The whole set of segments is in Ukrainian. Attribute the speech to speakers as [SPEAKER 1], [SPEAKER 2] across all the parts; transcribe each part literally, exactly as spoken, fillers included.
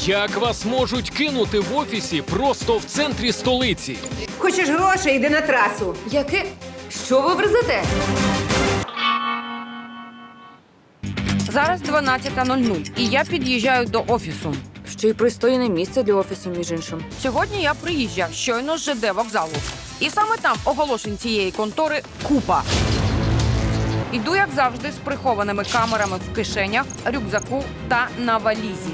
[SPEAKER 1] Як вас можуть кинути в офісі просто в центрі столиці?
[SPEAKER 2] Хочеш грошей, йди на трасу.
[SPEAKER 3] Яке? Що ви верзете?
[SPEAKER 4] Зараз дванадцята нуль нуль, і я під'їжджаю до офісу.
[SPEAKER 3] Ще й пристойне місце для офісу, між іншим.
[SPEAKER 4] Сьогодні я приїжджав щойно з ЖД вокзалу. І саме там оголошень цієї контори купа. Іду, як завжди, з прихованими камерами в кишенях, рюкзаку та на валізі.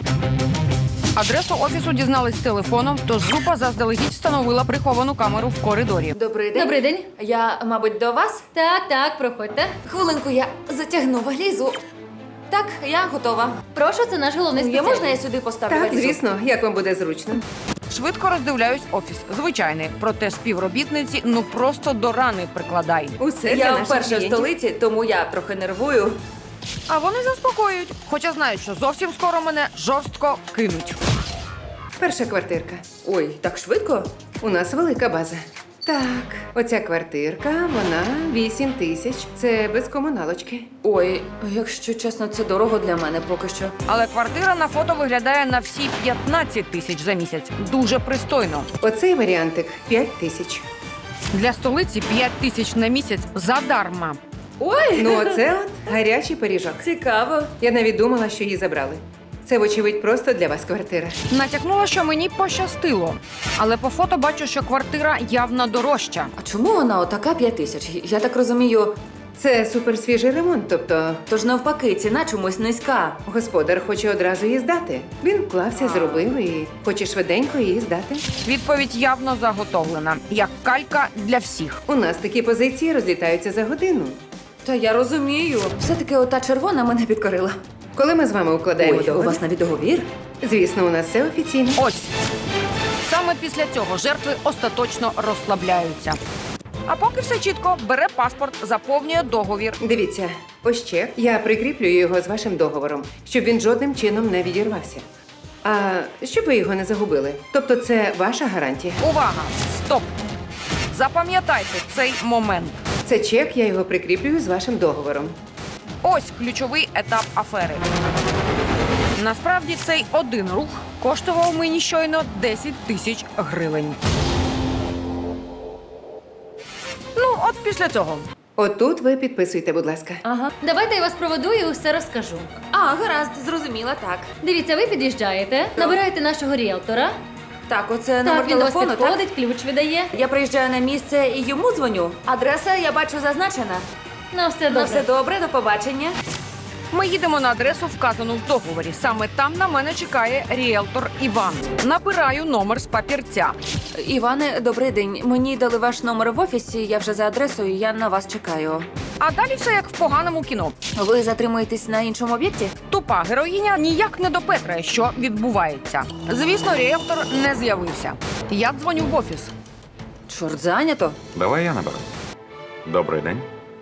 [SPEAKER 4] Адресу офісу дізнались телефоном, тож група заздалегідь встановила приховану камеру в коридорі.
[SPEAKER 3] Добрий день.
[SPEAKER 5] Добрий день.
[SPEAKER 3] Я, мабуть, до вас?
[SPEAKER 5] Так, так, проходьте.
[SPEAKER 3] Хвилинку, я затягну валізу. Так, я готова.
[SPEAKER 5] Прошу, це наш головний
[SPEAKER 3] Я
[SPEAKER 5] спеціаліст.
[SPEAKER 3] можна я сюди поставлю
[SPEAKER 2] Так,
[SPEAKER 3] валізу?
[SPEAKER 2] звісно, як вам буде зручно.
[SPEAKER 4] Швидко роздивляюсь офіс. Звичайний, проте співробітниці ну просто до рани прикладай.
[SPEAKER 2] Усе для
[SPEAKER 3] Я
[SPEAKER 2] наших
[SPEAKER 3] вперше в
[SPEAKER 2] клієнтів.
[SPEAKER 3] столиці, тому я трохи нервую.
[SPEAKER 4] А вони заспокоюють, хоча знають, що зовсім скоро мене жорстко кинуть.
[SPEAKER 2] Перша квартирка.
[SPEAKER 3] Ой, так швидко?
[SPEAKER 2] У нас велика база. Так, оця квартирка, вона вісім тисяч. Це без комуналочки.
[SPEAKER 3] Ой, якщо чесно, це дорого для мене поки що.
[SPEAKER 4] Але квартира на фото виглядає на всі п'ятнадцять тисяч за місяць. Дуже пристойно.
[SPEAKER 2] Оцей варіантик п'ять тисяч.
[SPEAKER 4] Для столиці п'ять тисяч на місяць задарма.
[SPEAKER 3] Ой,
[SPEAKER 2] Ну, оце от гарячий пиріжок.
[SPEAKER 3] цікаво.
[SPEAKER 2] Я навіть думала, що її забрали. Це, вочевидь, просто для вас квартира.
[SPEAKER 4] Натякнула, що мені пощастило. Але по фото бачу, що квартира явно дорожча.
[SPEAKER 3] А чому вона отака п'ять тисяч? Я так розумію,
[SPEAKER 2] Це суперсвіжий ремонт, тобто
[SPEAKER 3] тож навпаки, ціна чомусь низька.
[SPEAKER 2] господар хоче одразу її здати. Він вклався, зробив і хоче швиденько її здати.
[SPEAKER 4] Відповідь явно заготовлена, як калька для всіх.
[SPEAKER 2] У нас такі позиції розлітаються за годину.
[SPEAKER 3] Та я розумію. Все-таки ота червона мене підкорила.
[SPEAKER 2] Коли ми з вами укладаємо
[SPEAKER 3] Ой, у
[SPEAKER 2] договір,
[SPEAKER 3] вас навіть договір?
[SPEAKER 2] звісно, у нас все офіційно.
[SPEAKER 4] Ось. Саме після цього жертви остаточно розслабляються. А поки все чітко, бере паспорт, заповнює договір.
[SPEAKER 2] Дивіться, ось чек. Я прикріплюю його з вашим договором, щоб він жодним чином не відірвався. А щоб ви його не загубили. Тобто це ваша гарантія.
[SPEAKER 4] Увага! Стоп! Запам'ятайте цей момент.
[SPEAKER 2] Це чек, я його прикріплюю з вашим договором.
[SPEAKER 4] Ось ключовий етап афери. Насправді цей один рух коштував мені щойно десять тисяч гривень. Ну, от після цього.
[SPEAKER 2] Отут ви підписуйте, будь ласка.
[SPEAKER 3] Ага.
[SPEAKER 5] Давайте я вас проведу і усе розкажу.
[SPEAKER 3] А, гаразд, зрозуміла, так.
[SPEAKER 5] Дивіться, ви під'їжджаєте, набираєте нашого ріелтора.
[SPEAKER 3] Так, оце номер
[SPEAKER 5] Так, він до вас
[SPEAKER 3] телефону, так?
[SPEAKER 5] підходить, ключ видає.
[SPEAKER 3] Я приїжджаю на місце і йому дзвоню. Адреса, я бачу, зазначена.
[SPEAKER 5] Ну, все
[SPEAKER 3] Ну,
[SPEAKER 5] добре.
[SPEAKER 3] все добре, до побачення.
[SPEAKER 4] Ми їдемо на адресу, вказану в договорі. Саме там на мене чекає ріелтор Іван. Набираю номер з папірця.
[SPEAKER 3] Іване, добрий день. Мені дали ваш номер в офісі, я вже за адресою, я на вас чекаю.
[SPEAKER 4] А далі все як в поганому кіно.
[SPEAKER 3] Ви затримуєтесь на іншому об'єкті?
[SPEAKER 4] Тупа героїня ніяк не допетрає, що відбувається. Звісно, ріелтор не з'явився. Я дзвоню в офіс.
[SPEAKER 3] Чорт, зайнято.
[SPEAKER 6] Давай я наберу. Добрий день.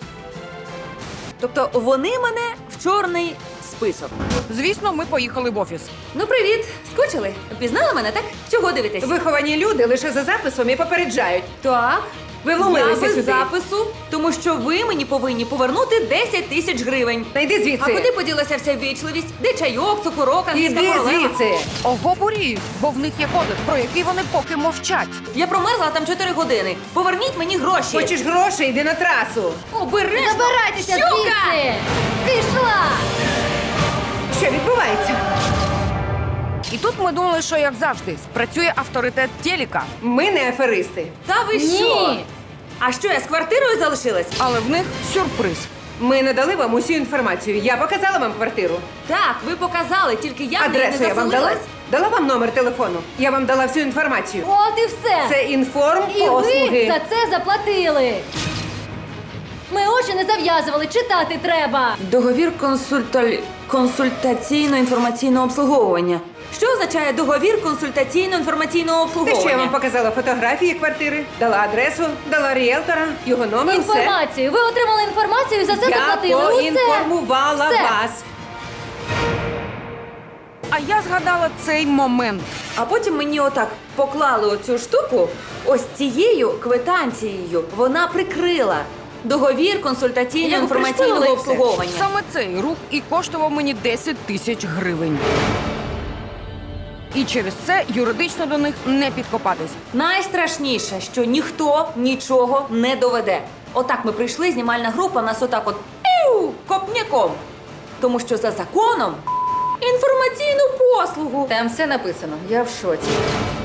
[SPEAKER 3] Тобто вони мене в чорний список.
[SPEAKER 4] Звісно, ми поїхали в офіс.
[SPEAKER 3] Ну, привіт! Скучили? Пізнали мене, так? Чого дивитесь?
[SPEAKER 2] Виховані люди лише за записом і попереджають.
[SPEAKER 3] Так.
[SPEAKER 2] Ви
[SPEAKER 3] Я
[SPEAKER 2] вломилися
[SPEAKER 3] без
[SPEAKER 2] сюди.
[SPEAKER 3] запису, тому що ви мені повинні повернути десять тисяч гривень.
[SPEAKER 2] Та йди звідси.
[SPEAKER 3] А куди поділася вся вічливість? Де чайок, цукорок, англійська
[SPEAKER 2] Іди
[SPEAKER 3] королева?
[SPEAKER 2] звідси.
[SPEAKER 4] Ого, буріють, бо в них є кодек, про який вони поки мовчать.
[SPEAKER 3] Я промерзла там чотири години. Поверніть мені гроші.
[SPEAKER 2] Хочеш грошей, йди на трасу.
[SPEAKER 3] Обережно!
[SPEAKER 5] Забирайтеся
[SPEAKER 3] Щука!
[SPEAKER 5] звідси! Пішла!
[SPEAKER 2] Що відбувається?
[SPEAKER 4] І тут ми думали, що як завжди спрацює авторитет телека,
[SPEAKER 2] Ми не аферисти.
[SPEAKER 3] Та ви
[SPEAKER 5] Ні.
[SPEAKER 3] що? А що, я з квартирою залишилась?
[SPEAKER 4] але в них сюрприз.
[SPEAKER 2] Ми надали вам усю інформацію. Я показала вам квартиру.
[SPEAKER 3] Так, ви показали, тільки я в неї
[SPEAKER 2] Адресу
[SPEAKER 3] не
[SPEAKER 2] я вам дала?
[SPEAKER 3] заселилась.
[SPEAKER 2] Дала вам номер телефону. Я вам дала всю інформацію.
[SPEAKER 5] От і все!
[SPEAKER 2] Це інформ
[SPEAKER 5] І ви
[SPEAKER 2] послуги.
[SPEAKER 5] за це заплатили! Ми очі не зав'язували, читати треба!
[SPEAKER 3] Договір консульталь... консультаційно-інформаційного обслуговування. Що означає договір консультаційно-інформаційного
[SPEAKER 2] Те,
[SPEAKER 3] обслуговування?
[SPEAKER 2] що я вам показала фотографії квартири, дала адресу, дала ріелтора, його номер, все.
[SPEAKER 5] Інформацію! Ви отримали інформацію і за це
[SPEAKER 2] Я
[SPEAKER 5] заплатили! Усе!
[SPEAKER 2] поінформувала
[SPEAKER 5] Все.
[SPEAKER 2] вас.
[SPEAKER 4] А я згадала цей момент.
[SPEAKER 3] А потім мені отак поклали оцю штуку ось цією квитанцією. Вона прикрила договір
[SPEAKER 5] Як
[SPEAKER 3] консультаційно-інформаційного
[SPEAKER 5] пришпилили все.
[SPEAKER 3] обслуговування.
[SPEAKER 4] Саме цей рух і коштував мені десять тисяч гривень. І через це юридично до них не підкопатись.
[SPEAKER 3] Найстрашніше, що ніхто нічого не доведе. Отак ми прийшли, знімальна група, нас отак от піу, копняком. Тому що за законом інформаційну послугу.
[SPEAKER 2] Там все написано, я в шоці.